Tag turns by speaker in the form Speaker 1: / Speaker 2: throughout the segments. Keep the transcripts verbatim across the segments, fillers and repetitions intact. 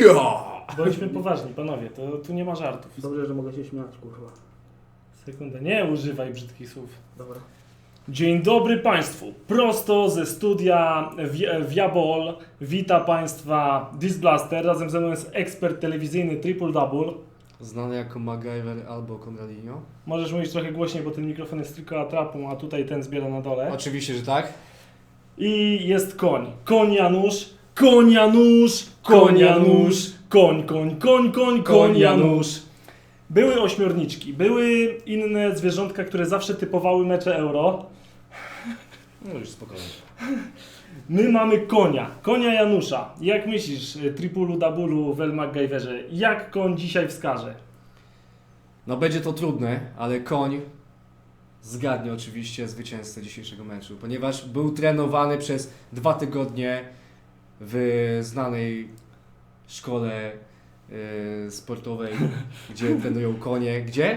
Speaker 1: Ja!
Speaker 2: Bądźmy poważni, panowie, to tu nie ma żartów.
Speaker 3: Dobrze, że mogę się śmiać, kurwa.
Speaker 2: Sekundę, nie używaj brzydkich słów.
Speaker 3: Dobra.
Speaker 2: Dzień dobry Państwu, prosto ze studia Viabol wita Państwa Disblaster, razem ze mną jest ekspert telewizyjny Triple Double.
Speaker 1: Znany jako MacGyver albo Conradinho.
Speaker 2: Możesz mówić trochę głośniej, bo ten mikrofon jest tylko atrapą, a tutaj ten zbiera na dole.
Speaker 1: Oczywiście, że tak.
Speaker 2: I jest koń, koń Janusz, koń Janusz, koń Janusz, koń, koń, koń, koń, koń Janusz. Były ośmiorniczki, były inne zwierzątka, które zawsze typowały mecze Euro.
Speaker 1: No już spokojnie.
Speaker 2: My mamy konia, konia Janusza. Jak myślisz, Tripulu, Dabulu, Wel MacGyverze, jak koń dzisiaj wskaże?
Speaker 1: No będzie to trudne, ale koń zgadnie oczywiście zwycięzcę dzisiejszego meczu, ponieważ był trenowany przez dwa tygodnie w znanej szkole yy, sportowej, gdzie trenują konie. Gdzie?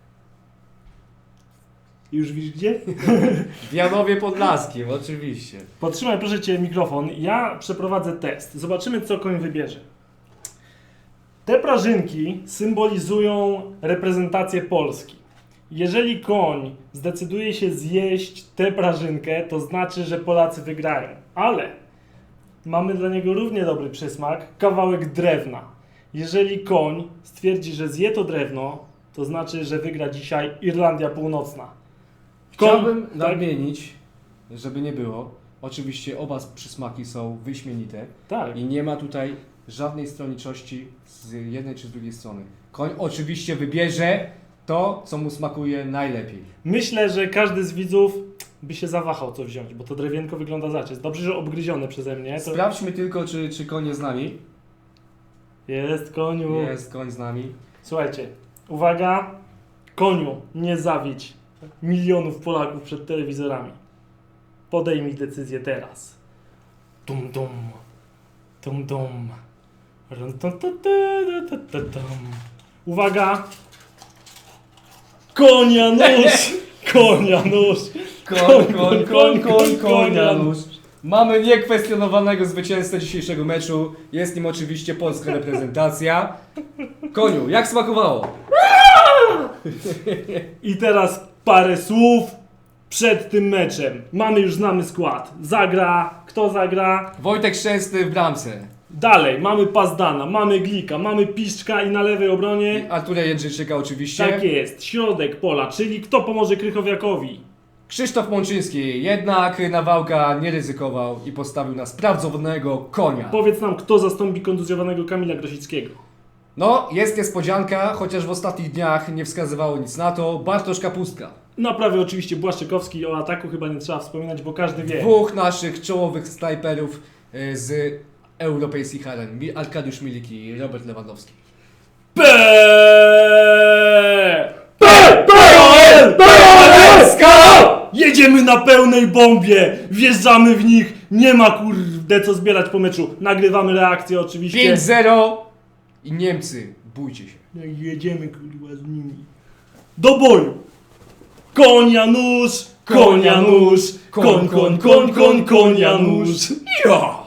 Speaker 2: Już widzisz gdzie?
Speaker 1: W Janowie Podlaskim, oczywiście.
Speaker 2: Podtrzymaj proszę Cię mikrofon, ja przeprowadzę test. Zobaczymy, co koń wybierze. Te prażynki symbolizują reprezentację Polski. Jeżeli koń zdecyduje się zjeść tę prażynkę, to znaczy, że Polacy wygrają. Ale mamy dla niego równie dobry przysmak, kawałek drewna. Jeżeli koń stwierdzi, że zje to drewno, to znaczy, że wygra dzisiaj Irlandia Północna. Koń,
Speaker 1: Chciałbym
Speaker 2: tak?
Speaker 1: nadmienić, żeby nie było, oczywiście oba przysmaki są wyśmienite
Speaker 2: Tak.
Speaker 1: i nie ma tutaj żadnej stronniczości z jednej czy z drugiej strony. Koń oczywiście wybierze to, co mu smakuje najlepiej.
Speaker 2: Myślę, że każdy z widzów by się zawahał co wziąć, bo to drewienko wygląda zaciec. Dobrze, że obgryzione przeze mnie. To...
Speaker 1: Sprawdźmy tylko, czy, czy koń jest z nami.
Speaker 2: Jest koniu.
Speaker 1: Jest koń z nami.
Speaker 2: Słuchajcie, uwaga, koniu, nie zawiedź milionów Polaków przed telewizorami. Podejmij decyzję teraz. Tum dum, tum dum. Rum, tum, tum, tum, tum, tum, tum. Uwaga! Konia nóż! Konia nóż!
Speaker 1: Koń, koń, koń, koń, koń, Janusz. Mamy niekwestionowanego zwycięzcę dzisiejszego meczu. Jest nim oczywiście polska reprezentacja. Koniu, jak smakowało?
Speaker 2: I teraz parę słów przed tym meczem. Mamy już znamy skład. Zagra, kto zagra?
Speaker 1: Wojtek Szczęsny w bramce.
Speaker 2: Dalej, mamy Pazdana, mamy Glika, mamy Piszczka i na lewej obronie...
Speaker 1: Artura Jędrzejczyka oczywiście.
Speaker 2: Tak jest, środek pola, czyli kto pomoże Krychowiakowi?
Speaker 1: Krzysztof Mączyński, jednak Nawałka nie ryzykował i postawił na sprawdzonego konia.
Speaker 2: Powiedz nam, kto zastąpi kontuzjowanego Kamila Grosickiego?
Speaker 1: No, jest niespodzianka, chociaż w ostatnich dniach nie wskazywało nic na to. Bartosz Kapustka.
Speaker 2: Na prawie oczywiście Błaszczykowski, o ataku chyba nie trzeba wspominać, bo każdy wie.
Speaker 1: Dwóch naszych czołowych snajperów y, z europejskich aren. Mi- Arkadiusz Milik i Robert Lewandowski.
Speaker 2: P P P Jedziemy na pełnej bombie! Wjeżdżamy w nich! Nie ma kurde co zbierać po meczu. Nagrywamy reakcję oczywiście.
Speaker 1: pięć zero i Niemcy, bójcie się.
Speaker 2: No i jedziemy kurwa z nimi. Do boju! Konia nóż! Konia nóż! Koń, koń, koń, koń, konia nóż! Ja!